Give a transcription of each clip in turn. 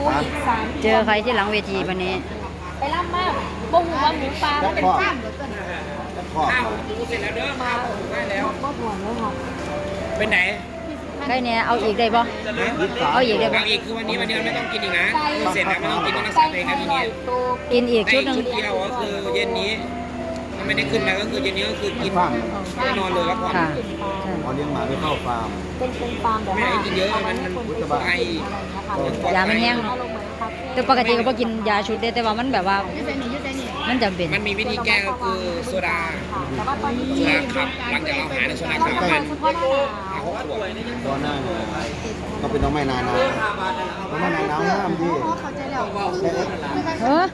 อีก3 เจอใครที่หลังเวทีวันนี้ไปล่ำมากบ่หูว่าหมูปลามันเป็นข้ามพ่อเสร็จแล้วเด้อมาได้แล้วบ่ห่วงเลยค่ะเป็นไหนใกล้เนี่ยเอาอีกได้บ่เอาอีกได้บ่เอาอีกคือวันนี้มันไม่ต้องกินอีกนะเสร็จแล้วไม่ต้องกินต้องรักษาตัวเองนะทีนี้กินอีกในชุดหนึ่งชุดเดียวก็คือเย็นนี้มันไม่ได้ขึ้นมาก็คือเย็นนี้ก็คือกินนอนเลยแล้วก่อนค่ะพอเลี้ยงหมาไม่เข้าฟาร์มเป็นฟาร์มแบบไม่ว่าให้กินเยอะมันไอยามันแห้งแต่ปกติก็บ่กินยาชุดได้แต่ว่ามันแบบว่ามันจำเป็นมันมีวิธีแก้ก็คือโซดาแต่ว่าตอนนี้โซดาขับหลังจากเราหาในโซดาขับประมาณเฉพาะหน้าหนาว 6 ขวดตอนหน้าก็เป็นน้องไม้นานาน้องไม้นานาห้ามดิเข้าใจแล้วเออ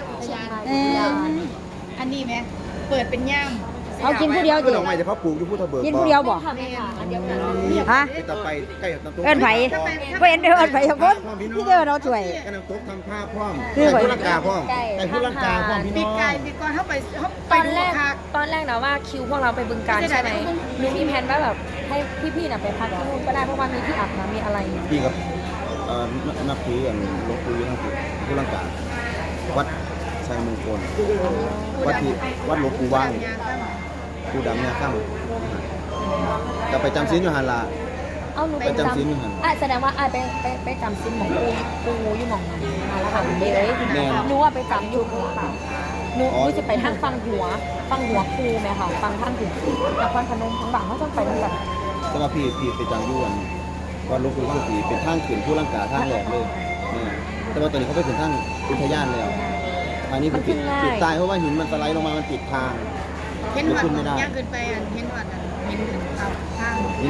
อันนี้ไหมเปิดเป็นย่ามเอากินผู้เดียวก็จิดอกไม้จะเขาปลูกอยู่พุทธเบิกกินผู้เดียวบ่ค่ะแม่ค่ะอันเดียวกันฮะไปต่อไปใกล้กับน้ำตกเอิ้นไผบ่เห็นเด้อเอิ้นไผครับผมที่เด้อเราช่วยใกล้น้ำตกทำผ้าพร้อมคือใกล้ไว้พุทธกาพร้อมใกล้พุทธกาพร้อมพี่ปีน้องกายปีก่อนเข้าไปตอนดูแรกค่ะตอนแรกนะว่าคิวพวกเราไปบึงการใช่ไหมหนูมีแผนว่าแบบให้พี่ๆน่ะไปพักที่นู่นก็ได้เพราะว่ามีที่อาบน้ำมีอะไรพี่กับนับถือหลวงปู่อยู่ทั้งพุทธกาวัดชัยมงคลวัดหลวงปู่ว่างปู่ดำเนี่ยข้ามจะไปจำศีลอยู่หันลาเอาหนูไปจำศีลอยู่หั่นแสดงว่าไปจำศีลของปูอยู่หม่องนั้นมาแล้วค่ะเดี๋ยวแม่นหนูว่าไปจำอยู่หัวค่ะหนูจะไปทางฟังหัวปูไหมค่ะฟังทางถึงนครพนมทั้งบางเขาต้องไปทั้งแบบแต่ว่าพี่ไปจำอยู่วัดหลวงปู่สุขีเป็นทางขึ้นผู้ร่างกายทางแหลกเลยแต่ว่าตอนนี้เขาไปถึงทางอุทยานแล้วทางนี้คือปิดตายเพราะว่าหินมันสไลด์ลงมามันปิดทางเห็นหวัดย่างเกินไปอ่ะเห็นหวัดอ่ะเห็นขับทางหิน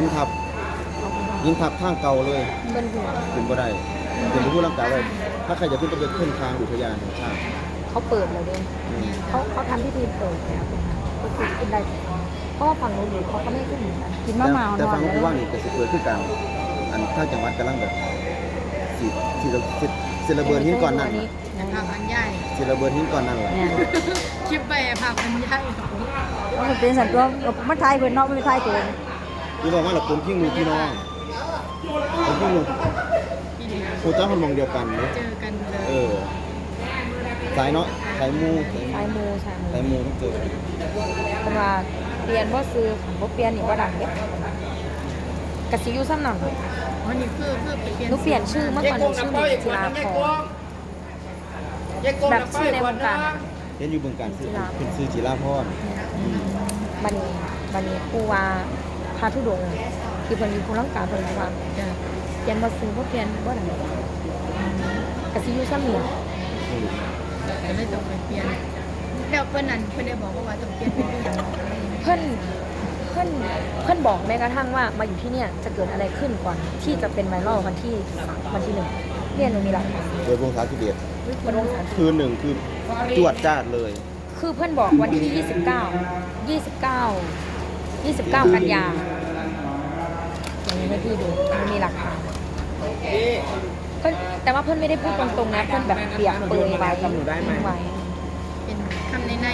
ทับทางเก่าเลยเป็นหัวขึ้นบ่ได้ขึ้นไปผู้ร่างกายเลยถ้าใครจะขึ้นก็ไปขึ้นทางอุทยานแห่งชาติเขาเปิดเลยด้วยเขาทำพิธีเปิดแล้วก็คือขึ้นได้เพราะว่าฝั่งนู้นเขาก็ไม่ขึ้นเหมือนกันกินมะม่าวแต่นอฟันงเลว่าย นี่จะสิเกิดขึ้นกลางอันถ้าจังหวัดกำลังแบบสิระเบิดหินก่อนนั่นแต่ภาพอันใหญ่สิระเบิดหินก่อนนั่นแหละเนี่ยคลิปไปภาพอันใหญ่มันเป็นสันตัวมันทายเพิ่นเนาะมันทายตัวที่บอกว่าเราคนที่งูพี่น้องคนที่งูโคจ้าคนมองเดียวกันเนาะเจอกันเลยสายเนาะสายมูชายมูสายมูต้องเจอเป็นว่าเปลี่ยนว่าซื้อของบ่เปลี่ยนนี่ว่าดังเนี่ยกะสิอยู่ซ้ำหนังวันนี้คือเปลี่ยนหนูเปลี่ยนชื่อเมื่อก่อนหนูชื่อหนิงจิราพรแบบชื่อในวงการเห็นอยู่เบื้องการซื้อเป็นซื้อจิราพรบันนี้ครูว่าพาทุดงค์ที่เพิ่นมีผู้รังการเพิ่นว่าเปลี่ยนบ่ซื้อบ่เปลี่ยนบ่ดังกะสิอยู่ซ้ำนี่ก็เลยต้องไปเปลี่ยนแล้วเพื่อนนั้นเพื่อนได้บอกว่าต้องเปลี่ยนเป็นอย่างเพิ่นบอกแม้กระทั่งว่ามาอยู่ที่เนี่ยจะเกิดอะไรขึ้นก่อนที่จะเป็นไวรัลวันที่1เนี่ยหนูมีหลักฐานโดยวงศาธิเบศมันวงสารคืนหนึ่งคือจวดจ้าดเลยคือเพื่อนบอกวันที่29 กันยาอย่างนี้ให้พี่ดูมันมีหลักฐานเพื่อนแต่ว่าเพื่อนไม่ได้พูดตรงๆนะเพื่อนแบบเปียกเปรยไว้ไว้เป็นคำใน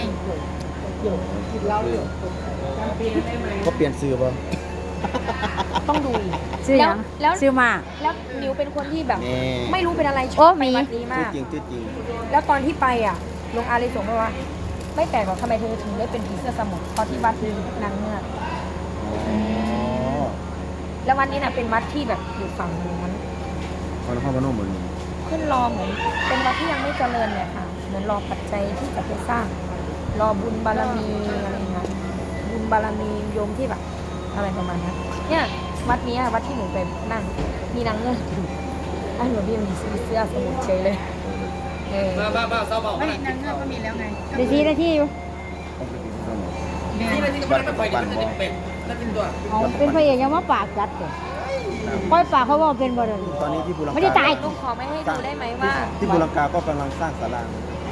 ก็เปลี่ยนซื้อป่ะต้องดูอีกชื่อหยังแล้วชื่อมาแล้วนิวเป็นคนที่แบบแม่ไม่รู้เป็นอะไรชโอ้อบมีไปวัดนี้มากจริงจริงแล้วตอนที่ไปอ่ะลงอาเลยส่งมาว่า ไม่แปลกหรอกทำไมเธอถึงได้เป็นผีเสื้อสมุทรเพราะที่วัดมีนางเงือกอ๋อแล้ววัดนี้น่ะเป็นวัดที่แบบอยู่ฝั่งนู้นพอนครพนมเหมือนขึ้นรอเหมือนเป็นวัดที่ยังไม่เจริญเนี่ยค่ะเหมือนรอปัจจัยที่จะไปสร้าง รอบุญบารมีอะไรอย่างเงี้ยบุญบารมีโยมที่แบบอะไรประมาณนี้เนี่ยวัดนี้วัดที่หนูไปนั่งมีนางเงือกอยู่ไอ้หนูพี่มีเสื้อสมุทรเฉยเลยบ้าเศร้าบอกๆไม่นางเงือกก็มีแล้วไงได้ที่อยู่แม่วัดปัจจุบันบ่เอาเป็นพระเอกยังมาปากจัดเด้อปล่อยปากเขาว่าเป็นบ่ได้ตอนนี้ที่บุรังกาไม่ได้ตายลูกขอไม่ให้ดูได้ไหมว่าที่บุรังกาก็กำลังสร้างศาลา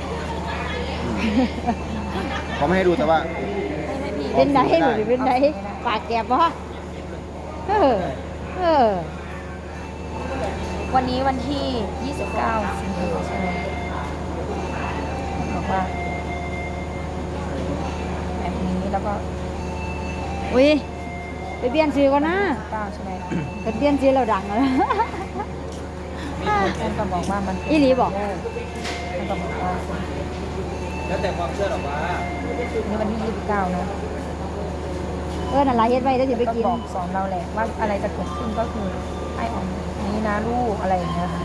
เขาไม่ให้ดูแต่ว่าให้พี่เป็นไดบ่ได้เป็นไดปากแกบบ่เออวันนี้วันที่ 29 สิงหาคมใช่ไหมบอกว่าแบบนี้แล้วก็อุ้ยไปเปลี่ยนชื่อก่อนนะ 9ใช่ไหมไปเปลี่ยนชื่อแล้วดังแล้วมีท่านก็บอกว่ามันอีหลีบอกท่านก็บอกว่าแล้วแต่ความเชื่อหรอกว่านี่วันที่29นะนั่นล่ะเฮ็ดไว้แล้วสิไปก็กินบอกสอนเราแหละว่าอะไรจะเกิดขึ้นก็คือให้ออกนี้นะลูกอะไรอย่างเงี้ยค่ะ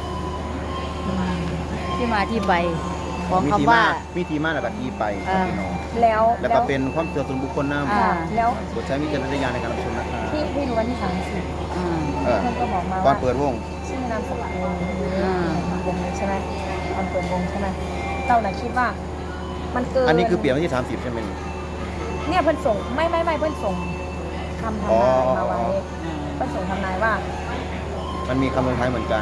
ที่มาที่ไปของคำว่าวิธีมาแล้วก็ที่ไปครับพี่น้องแล้วแล้วก็เป็นความเชื่อส่วนบุคคลนะอ่าแล้วโปรดใช้วิจารณญาณในการรับชมนะครับพี่รู้วันที่30 อ่าเออเพื่อนก็บอกมาก่อนว่าเปิดวงชื่อนามสกุลวงนี้อ่าวงนี้ใช่ไหมตอนเปิดวงใช่ไหมเราน่ะคิดว่า มันเกินอันนี้คือเปลี่ยนวันที่30ใช่ไหมเนี่ยเพื่อนส่งไม่เพื่อนส่งคำทำนายมาไว้เพื่อนส่งทำนายว่ามันมีคำลงท้ายเหมือนกัน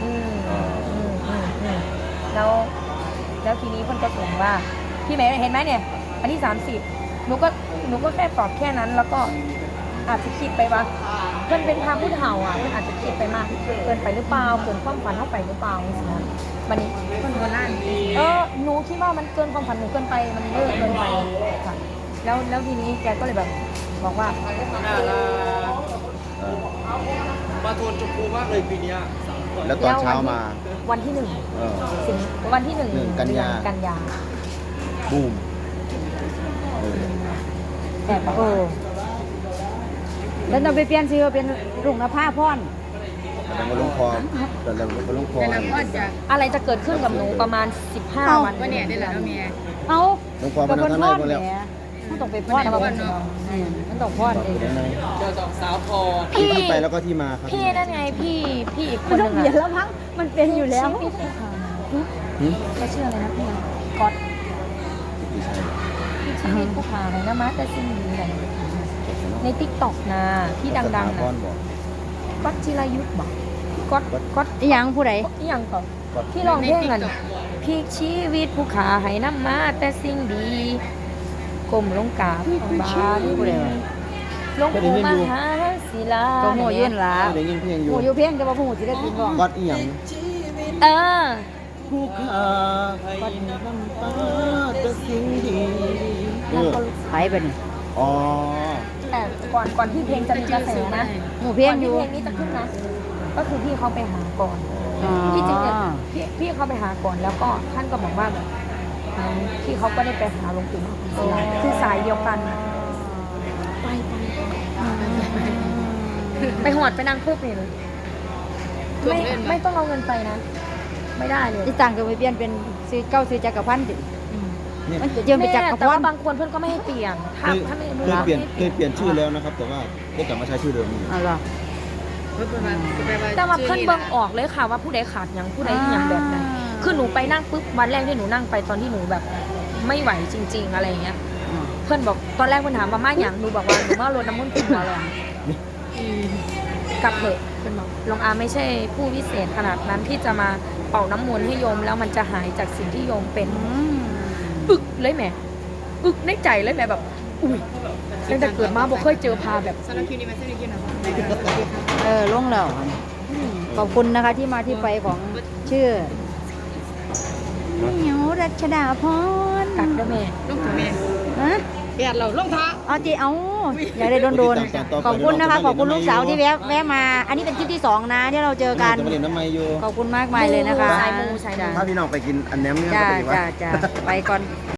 แล้วทีนี้เพื่อนก็ส่งว่าพี่เมย์เห็นไหมเนี่ยวันที่30หนูก็แค่ตอบแค่นั้น แล้วก็อาจจะคิดไปว่าเพื่อนเป็นพาผู้เฒ่าอ่ะเพื่อนอาจจะคิดไปมากเกินไปหรือเปล่าเกินความฝันเข้าไปหรือเปล่าอย่างเงี้ยวันนี้คนโบราณหนูคิดว่ามันเกินความฝันหนูเกินไปมันเยอะเกินไปค่ะแล้วทีนี้แกก็เลยแบบบอกว่าน่ารักเออมาโทนชมพูมากเลยปีเนี้ยแล้วตอนเช้ามาวันที่เออ 1สิงวันที่หนึ่ง 1 กันยากันยาบูมเออแต่บอกโอ้แล้วเราไปเปลี่ยนชื่อเป็นรุ่งนภาพรแต่ยังมาลงคอแต่ยังมาลงคอแต่ละพ่อจะอะไรจะเกิดขึ้นกับหนูประมาณ 15 วันว่าเนี่ยได้แหละเนาะเมียเอาลงคอก็มาเพิ่นทั้งพในรหมดแหแล้วมมันต้องไปพรมันต้องไปพรเนาะมันต้องพรเองทั้งในเจอสองสาวพอที่ไปแล้วก็ที่มาครับพี่นั่นไงพี่อีกคมันนหต้อนึ่งงเปลี่ยนแล้วมั้งมันเป็นอยู่แล้วชื่พี่ภูเขาหืมเขาชื่ออะไรนะพี่ก๊อตไม่ใช่พี่ชื่อพี่ภูเขาเลยนะมาแต่ซิงดีเลยในติ๊กต็อกนะที่ดังๆนะนะบอกก๊อตจิรายุทธบอกก๊อตอีหยังผู้ใดอีหยังก่อนที่ร้องเพลงกันพีคชีวิตผู้ขาให้น้ำมาแต่สิ่งดีกลมลงกราบของบาลีผู้ใดวะหลวงปู่มหาศิลาก็โมยื่นละไม่ได้ยินเพลงอโมยู่อยู่เพียงแต่ว่าผู้ศิลปินบ่วัดอีหยังเออผู้ขาให้น้ำตาแต่สิ่งดีเออไปไปนี่อ๋อแต่ก่อนที่เพลงจะมีกระแสนะหมู่เพียงก่อนอที่ยู่เพลงนี้จะขึ้นนะ ก็คือพี่เขาไปหาก่อนอ๋อที่จริงเนี่ยพี่เขาไปหาก่อนแล้วก็ท่านก็บอกว่าแบบพี่เขาก็ได้ไปหาหลวงปู่มหาศิลาคือสายเดียวกันน่ะไปหอดไปนั่งปุ๊บนี่เลยไม่ต้องเอาเงินไปนะ ไม่ได้เลยที่ต่างก็ไปเปลี่ยนเป็นซื้อเก้าซื้อจักรพันธ์ดิเนี่ยมันจะเจิมไปจักรแต่พัว่านธ์บางคนเพื่อนก็ไม่ให้เปลี่ยนถ้าไม่รู้เคยว่าเปลี่ยนชื่อแล้วนะครับ แต่ว่าได้กลับมาใช้ชื่อเดิมอยู่อ๋อเหรอแต่ว่าเพื่อนเบิ่งออกเลยค่ะว่าผู้ใดขาดอย่างผู้ใดอย่างแบบไหนคือหนูไปนั่งปุ๊บวันแรกที่หนูนั่งไปตอนที่หนูแบบไม่ไหวจริง ๆ อะไรอย่างเงี้ย เพื่อนบอกตอนแรกเพื่อนถามมาม่าอย่างหนูบอกว่าหนูมารดน้ำมันต์คุณมาลองกลับเถอะเพื่อนบอกลองอาไม่ใช่ผู้วิเศษขนาดนั้นที่จะมาเป่าน้ำมนต์ให้โยมแล้วมันจะหายจากสิ่งที่โยมเป็นอึกเลยแหม่อึกในใจเลยแหม่แบบอุ้ยตั้งแต่เกิดมาบอกเคยเจอพาแบบสำหรับคิวนี้มาเส้นนี้กินหน่อยลงแล้วขอบคุณนะคะที่มาที่ไปของชื่อเหนียวรัชดาพรกัดด้วยแม่ลูกถึงแม่ฮะเปียดเราลงท้าเอาจีเอาอย่าได้โดนๆขอบคุณนะคะขอบคุณลูกสาวที่แวะมา อันนี้เป็นคลิปที่2นะที่เราเจอกันจะมาเรียนน้ำไมอยู่ขอบคุณมากมายเลยนะคะสายมูสายมูถ้าพี่น้องไปกินอันแหนมเนี่ยจ้าก็ไปว่าจ้าไปก่อน